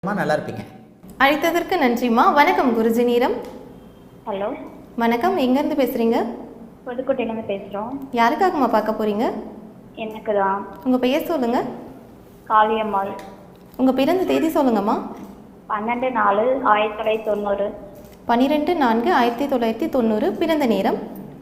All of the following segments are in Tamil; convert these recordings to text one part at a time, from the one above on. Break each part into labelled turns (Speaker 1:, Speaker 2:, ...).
Speaker 1: நல்லா இருப்பீங்க.
Speaker 2: அழைத்ததற்கு நன்றிம்மா. வணக்கம் குருஜி நீரம்.
Speaker 3: ஹலோ
Speaker 2: வணக்கம், எங்கேருந்து பேசுகிறீங்க?
Speaker 3: புதுக்கோட்டையிலேருந்து பேசுகிறோம்.
Speaker 2: யாருக்காகம்மா பார்க்க போகிறீங்க?
Speaker 3: எனக்கு தான்.
Speaker 2: உங்கள் பெயர் சொல்லுங்கள்.
Speaker 3: காளியம்மாள்.
Speaker 2: உங்கள் பிறந்த தேதி சொல்லுங்கம்மா.
Speaker 3: 12/4/1990.
Speaker 2: 12/4/1990. பிறந்த நேரம்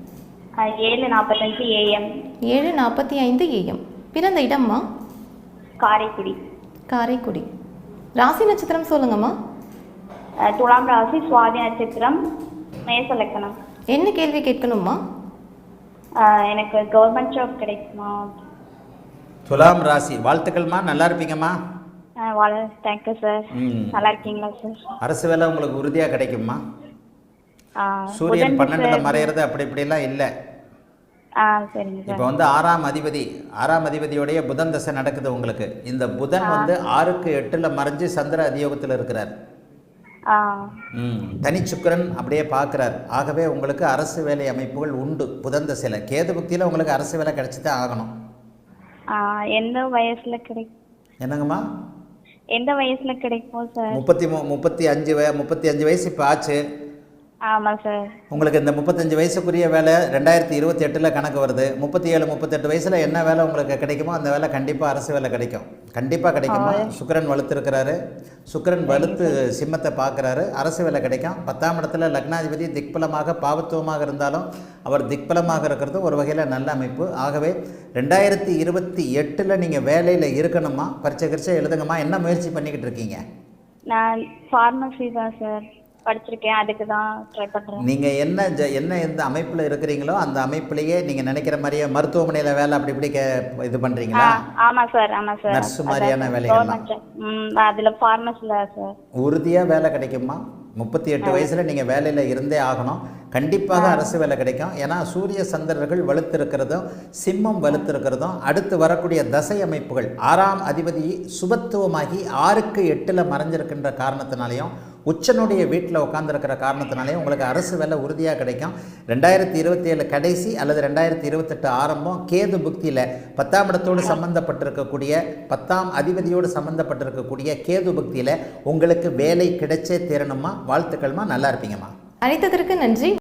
Speaker 3: 7:45 AM.
Speaker 2: 7:45 AM. பிறந்த இடம்மா?
Speaker 3: காரைக்குடி.
Speaker 2: காரைக்குடி. ராசி நட்சத்திரம் சொல்லுங்கம்மா.
Speaker 3: துலாம் ராசி, சுவாதி நட்சத்திரம், மேச லக்னம்.
Speaker 2: என்ன கேள்வி கேட்கணும்மா?
Speaker 3: எனக்கு கவர்மெண்ட் ஜாப் கிடைக்குமா?
Speaker 1: துலாம் ராசி, வாழ்த்துக்கள்மா. நல்லா இருப்பீங்கம்மா.
Speaker 3: Thank you sir. நல்லா இருக்கீங்களா சார்?
Speaker 1: அரசு வேலை உங்களுக்கு உறுதியாக கிடைக்கும்மா. சூரியன்
Speaker 3: புதன்
Speaker 1: 12ல் மறையிறது அப்படி இப்படிலாம் இல்லை.
Speaker 3: சரிங்க சார்.
Speaker 1: இப்போ வந்து ஆறாம் அதிபதியோடைய புதன் தசை நடக்குது உங்களுக்கு. இந்த புதன் வந்து 6க்கு 8ல் மறைஞ்சு சந்திர அதியோகத்தில் இருக்கிறார். தனி சுக்கிரன் அப்படியே பார்க்குறார். ஆகவே உங்களுக்கு அரசு வேலை அமைப்புகள் உண்டு. புதன் தசையில் கேது புக்தியில் உங்களுக்கு அரசு வேலை கிடைச்சி தான் ஆகணும்.
Speaker 3: எந்த வயசுல கிடைக்கும்?
Speaker 1: என்னங்கம்மா?
Speaker 3: எந்த வயசுல கிடைக்கும் சார்?
Speaker 1: 35 வயசு இப்போ ஆச்சு.
Speaker 3: ஆமாம் சார்.
Speaker 1: உங்களுக்கு இந்த 35 வயசுக்குரிய வேலை 2028ல் கணக்கு வருது. 37-38 வயசில் என்ன வேலை உங்களுக்கு கிடைக்குமோ அந்த வேலை கண்டிப்பாக அரசு வேலை கிடைக்கும். கண்டிப்பாக கிடைக்குமா? சுக்கிரன் வலுத்திருக்கிறாரு. சுக்கிரன் வலுத்து சிம்மத்தை பார்க்குறாரு. அரசு வேலை கிடைக்கும். 10ஆம் இடத்துல லக்னாதிபதி திக்பலமாக பாவத்துவமாக இருந்தாலும் அவர் திக்பலமாக இருக்கிறது ஒரு வகையில் நல்ல அமைப்பு. ஆகவே 2028ல் நீங்கள் வேலையில் இருக்கணுமா? பரீட்சை எழுதுங்கம்மா. என்ன முயற்சி பண்ணிக்கிட்டு இருக்கீங்க?
Speaker 3: நான் ஃபார்மசி தான் சார் படிச்சிருக்கேன். அதுக்கு தான் ட்ரை பண்ணுறேன்.
Speaker 1: நீங்கள் என்ன எந்த அமைப்பில் இருக்கிறீங்களோ அந்த அமைப்புலேயே நீங்கள் நினைக்கிற மாதிரியே மருத்துவமனையில் வேலை அப்படி இப்படி இது பண்ணுறீங்களா?
Speaker 3: ஆமாம் சார்.
Speaker 1: நர்ஸ் மாதிரியான வேலைகள்லாம்
Speaker 3: அதில் ஃபார்மசியில் சார்
Speaker 1: உறுதியாக வேலை கிடைக்குமா? 38 வயசில் நீங்கள் வேலையில் இருந்தே ஆகணும். கண்டிப்பாக அரசு வேலை கிடைக்கும். ஏன்னா சூரிய சந்திரர்கள் வலுத்திருக்கிறதும் சிம்மம் வலுத்திருக்கிறதும் அடுத்து வரக்கூடிய தசை அமைப்புகள் 6ஆம் அதிபதி சுபத்துவமாகி 6க்கு 8ல் மறைஞ்சிருக்கின்ற காரணத்தினாலையும் உச்சனுடைய வீட்டில் உட்காந்துருக்கிற காரணத்தினாலேயும் உங்களுக்கு அரசு வேலை உறுதியாக கிடைக்கும். 2027 கடைசி அல்லது 2028 ஆரம்பம் கேது புக்தியில் 10ஆம் இடத்தோடு சம்பந்தப்பட்டிருக்கக்கூடிய 10ஆம் அதிபதியோடு சம்பந்தப்பட்டிருக்கக்கூடிய கேது புக்தியில் உங்களுக்கு வேலை கிடைச்சே தீரணுமா? வாழ்த்துக்கள்மா. நல்லா இருப்பீங்கம்மா.
Speaker 2: அழைத்ததற்கு நன்றி.